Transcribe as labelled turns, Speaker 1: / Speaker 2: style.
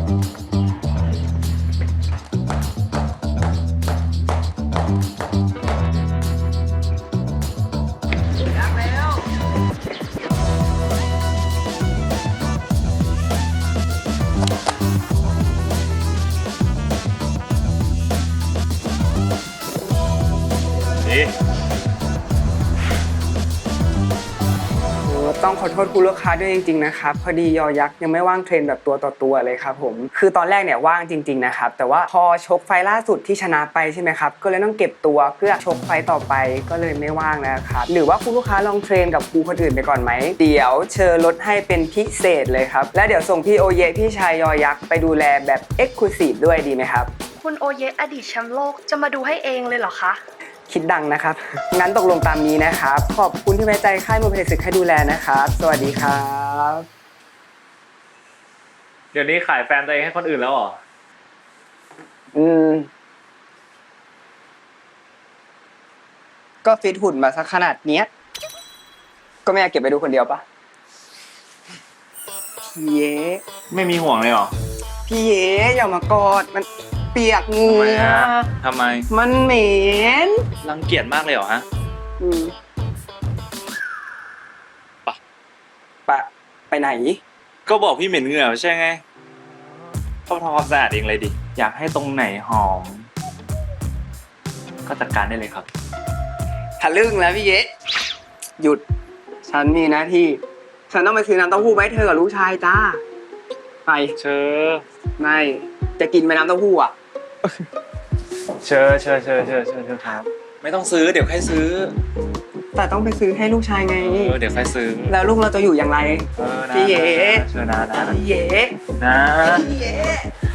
Speaker 1: ต้องขอโทษคุณลูกค้าด้วยจริงๆนะครับพอดียอยักษ์ยังไม่ว่างเทรนแบบตัวต่อตัวเลยครับผมคือตอนแรกเนี่ยว่างจริงๆนะครับแต่ว่าพอชกไฟล่าสุดที่ชนะไปใช่ไหมครับก็เลยต้องเก็บตัวเพื่อชกไฟต่อไปก็เลยไม่ว่างแล้วครับหรือว่าคุณลูกค้าลองเทรนกับครูคนอื่นไปก่อนไหมเดี๋ยวเชิญลดให้เป็นพิเศษเลยครับและเดี๋ยวส่งพี่โอเยพี่ชายยอยักษ์ไปดูแลแบบเอ็กซ์คลูซีฟด้วยดีไหมครับ
Speaker 2: คุณโอเยอดีตแชมป์โลกจะมาดูให้เองเลยเหรอคะ
Speaker 1: คิดดังนะครับงั้นตกลงตามนี้นะครับขอบคุณที่ไว้ใจค่ายมวยเพชรศึกให้ดูแลนะครับสวัสดีครับ
Speaker 3: เดี๋ยวนี้ขายแฟนตัวเองให้คนอื่นแล้วเหรอ
Speaker 1: ก็ฟิตหุ่นมาสักขนาดเนี้ยก็ไม่อยากเก็บไปดูคนเดียวปะพี่เย้
Speaker 3: ไม่มีห่วงเลยเหรอ
Speaker 1: พี่เย้อย่ามากอดมันเปียกเหงื่อ
Speaker 3: ทำไม
Speaker 1: มันเหม็น
Speaker 3: รังเกียจมากเลยเหรอฮะ
Speaker 1: ไปไหน
Speaker 3: ก็บอกพี่เหม็นเหงื่อใช่ไงต้องทำความสะอาดเองเลยดิอยากให้ตรงไหนหอมก็จัดการได้เลยครับ
Speaker 1: ทะลึ่งแล้วพี่เย้หยุดฉันมีหน้าที่ฉันต้องไปซื้อน้ำเต้าหู้ไว้เธอกับลูกชายจ้าไป
Speaker 3: เชิญ
Speaker 1: ไม่จะกินไปน้ำเต้าหู้อ่ะ
Speaker 3: เชิญครับไม่ต้องซื้อเดี๋ยวใครซื้อ
Speaker 1: แต่ต้องไปซื้อให้ลูกชายไง
Speaker 3: เดี๋ยวใครซื้อ
Speaker 1: แล้วลูกเราจะอยู่อย่างไรพี่เอ๋
Speaker 3: เชิญนะ
Speaker 1: พี่เอ๋
Speaker 3: นะ
Speaker 1: พี่เอ๋